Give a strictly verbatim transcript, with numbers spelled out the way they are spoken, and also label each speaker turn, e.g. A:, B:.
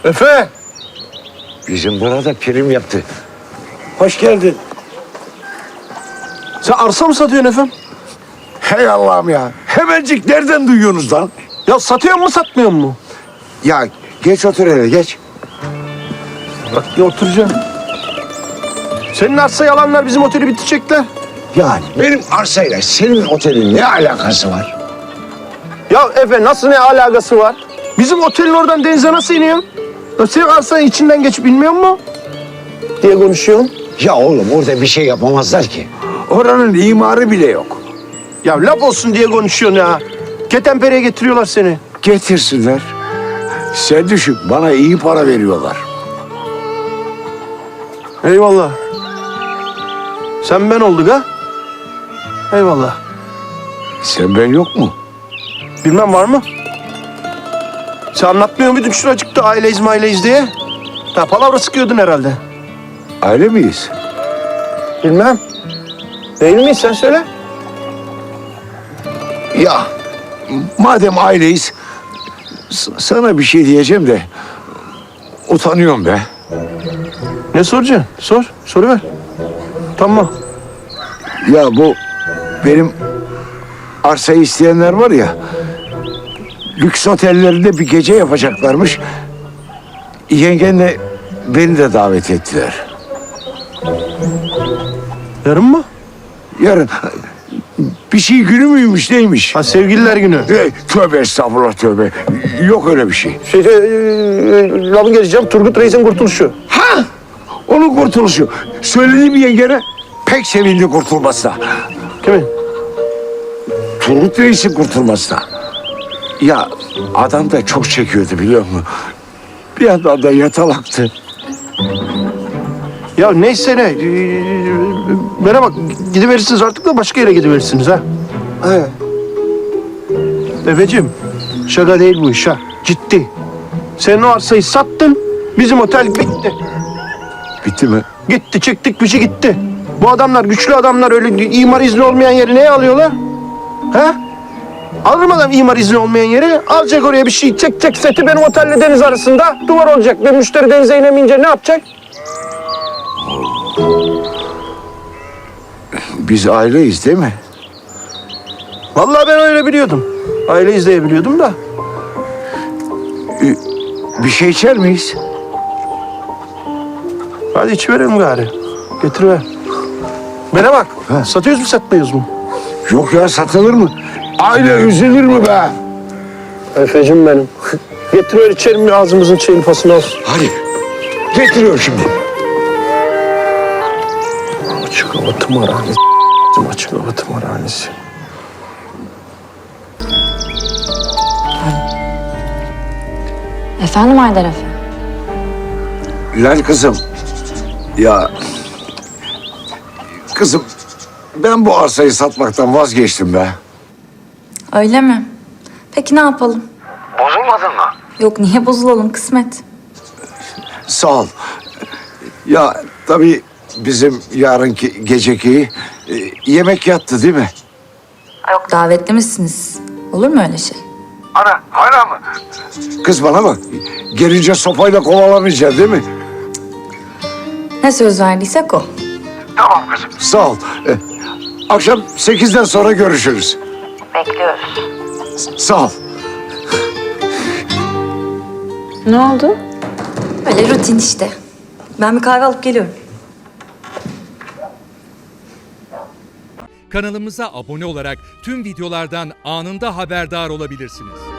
A: Efe!
B: Bizim burada prim yaptı. Hoş geldin.
A: Sen arsa mı satıyorsun efendim?
B: Hey Allah'ım ya. Hemencik nereden duyuyorsunuz lan?
A: Ya satıyor mu satmıyor mu?
B: Ya geç otur hele geç.
A: Bak ya oturacağım. Senin arsayı alanlar bizim oteli bitirecekler.
B: Yani benim arsayla senin otelin ne alakası var?
A: Ya Efe nasıl ne alakası var? Bizim otelin oradan denize nasıl iniyorsun? Ya senin arsanın içinden geç bilmiyor musun? Diye konuşuyorsun.
B: Ya oğlum orada bir şey yapamazlar ki. Oranın imarı bile yok.
A: Ya laf olsun diye konuşuyorsun ya. Ketenpere'ye getiriyorlar seni.
B: Getirsinler. Sen düşün bana iyi para veriyorlar.
A: Eyvallah. Sen ben olduk ha? Eyvallah.
B: Sen ben yok mu?
A: Bilmem var mı? Sen anlatmıyor muydun şuracıkta aileyiz maileyiz diye? Ha palavra sıkıyordun herhalde.
B: Aile miyiz?
A: Bilmem. Değil miyiz sen söyle.
B: Ya madem aileyiz s- sana bir şey diyeceğim de utanıyorum be.
A: Ne soracaksın? Sor. Soruver. Tamam.
B: Ya bu benim arsayı isteyenler var ya lüks otellerinde bir gece yapacaklarmış. Yengenle beni de davet ettiler.
A: Yarın mı?
B: Yarın bir şey günü müymüş neymiş?
A: Ha sevgililer günü.
B: E, tövbe estağfurullah tövbe. Yok öyle bir şey.
A: Şey, e, e, lafın geleceğim. Turgut Reis'in kurtuluşu.
B: Ha! Onun kurtuluşu. Söylediğim yengene pek sevindi kurtulmasına.
A: Kimin?
B: Turgut Reis'in kurtulmasına. Ya adam da çok çekiyordu biliyor musun? Bir yandan da yatalaktı.
A: Ya neyse ne. Ee, Bana bak gidiverirsiniz artık da başka yere gidiverirsiniz ha.
B: He.
A: Efeciğim şaka değil bu iş ha. Ciddi. Sen o arsayı sattın. Bizim otel bitti.
B: Bitti mi?
A: Gitti çıktık bir şey gitti. Bu adamlar güçlü adamlar öyle imar izni olmayan yeri neye alıyorlar? Ha? Alır mı adam imar izni olmayan yeri? Alacak oraya bir şey çekecek seti benim otelle deniz arasında duvar olacak. Ve müşteri denize inemeyince ne yapacak?
B: Biz aileyiz değil mi?
A: Vallahi ben öyle biliyordum. Aile izleyebiliyordum da.
B: Bir şey içer miyiz?
A: Hadi içiverelim gari. Getiriver. Bana bak.
B: Ha.
A: Satıyoruz mu satmıyoruz mu?
B: Yok ya satılır mı? Aile üzülür mü be?
A: Efecim benim. Getiriver içelim ağzımızın çayını pasını olsun.
B: Hadi. Getiriyor şimdi.
A: Açık hava tımarhanesi. Açık hava tımarhanesi.
C: Efendim Haydar Efe?
B: Lan kızım. Ya. Kızım. Ben bu arsayı satmaktan vazgeçtim be.
C: Öyle mi? Peki ne yapalım?
B: Bozulmadın mı?
C: Yok niye bozulalım kısmet.
B: Sağ ol. Ya tabii bizim yarınki geceki e, yemek yattı değil mi?
C: Yok davetli misiniz? Olur mu öyle şey?
B: Ana hala mı? Kız bana bak. Gelince sopayla kovalamayacaksın değil mi?
C: Ne söz verdiysek o.
B: Tamam kızım. Sağ ol. E, akşam sekizden sonra görüşürüz.
C: Bekliyoruz.
B: Sağ ol.
C: Ne oldu? Öyle rutin işte. Ben bir kahve alıp geliyorum.
D: Kanalımıza abone olarak tüm videolardan anında haberdar olabilirsiniz.